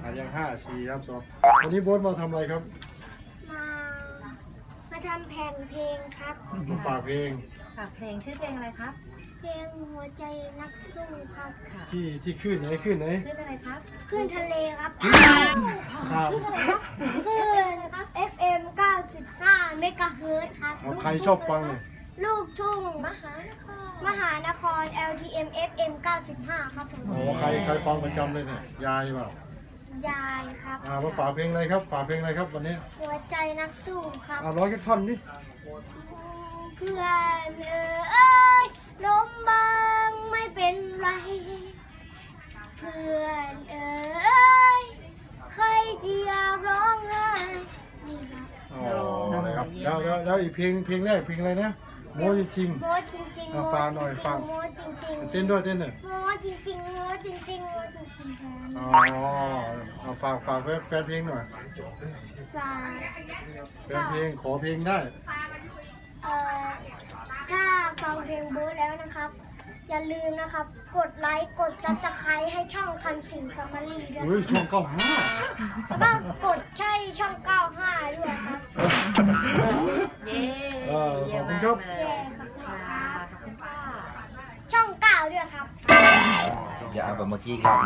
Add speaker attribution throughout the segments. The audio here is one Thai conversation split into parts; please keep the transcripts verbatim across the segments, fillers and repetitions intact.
Speaker 1: อ่ะยังห้าสี่ครับสองวันนี้โบ๊ทมาทำอะไรครับ
Speaker 2: มามาทำแผ่นเพลงครับ
Speaker 1: มาฝากเพลง
Speaker 3: ฝากเพลงชื่อเพลงอะไรครับ
Speaker 2: เพลงหัวใจนักสู้ครับ
Speaker 1: ที่ที่ขึ้นไหนขึ้นไหน
Speaker 3: ขึ้นอะไรครับ
Speaker 2: ขึ้นทะเลครับ
Speaker 1: ครับ
Speaker 2: ขึ้นครับ เอฟ เอ็ม เก้าสิบห้า เมกะเฮิรตซ์ครับ
Speaker 1: ใครชอบฟังเนี่ย
Speaker 2: ลูกทุ่ง
Speaker 3: มหานคร
Speaker 2: มหานคร แอล ที เอ็ม เอฟ เอ็ม เก้าสิบห้า ครับผม
Speaker 1: โอ้ใครใครฟังประจำเลยเนี่ยยายเปล่าย
Speaker 2: ายครับ
Speaker 1: อ่ามาฝากเพลงอะไรครับฝากเพลงอะไรครับวันนี้
Speaker 2: หัวใจนักสู้ครับ
Speaker 1: อ่าร้องแค่ท่อนนี้
Speaker 2: เพื่อนเอ๋ยล้มบ้างไม่เป็นไรเพื่อนเอ๋ยใครจะอยากร้องไห้นี่ครับ
Speaker 1: อ๋อนะครับแล้วแล้วแล้วอีกเพลงเพลงแรกเพลงอะไรนะโม้จริง
Speaker 2: โม้จริงๆ
Speaker 1: มาฟังหน่อยฟัง
Speaker 2: โม้จริงๆ
Speaker 1: เต้นด้วยเต้นหน่อย
Speaker 2: โม้จริงๆโม้จริงๆโม้จริงๆ
Speaker 1: อ๋อเอาฝากฝากแฟนเพลงหน่อย
Speaker 2: ฝาก
Speaker 1: แฟนเพลงขอเพลงได้
Speaker 2: เอ่อถ้าฟังเพลงโบ๊ทแล้วนะครับอย่าลืมนะครับ กดไลค์กดซับสไครต์ให้ช่องคำสิงแฟมิลี่ด้วย
Speaker 1: เฮ้ยช่องเก้าห้า
Speaker 2: แล้วก็กดใช่ช่องเก้าห้าด้วยครับ
Speaker 3: เย้
Speaker 1: เยี่ยมมากเลย
Speaker 2: เย้ครับขอบคุณค่ะช่องเก้าด้วยครับ
Speaker 4: อย่าเอาแบบเมื่อกี้ครับ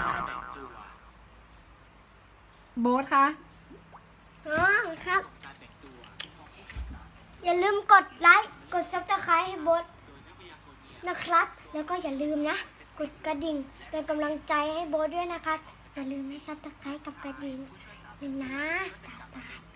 Speaker 3: โบ๊ทคะ
Speaker 2: อ๋อครับอย่าลืมกดไลค์กดซับสไครต์ให้โบ๊ทนะครับแล้วก็อย่าลืมนะกดกระดิ่งเป็นกำลังใจให้โบ๊ทด้วยนะครับอย่าลืมให้ซับสไครต์กับกระดิ่งหนึ่งนะตาตา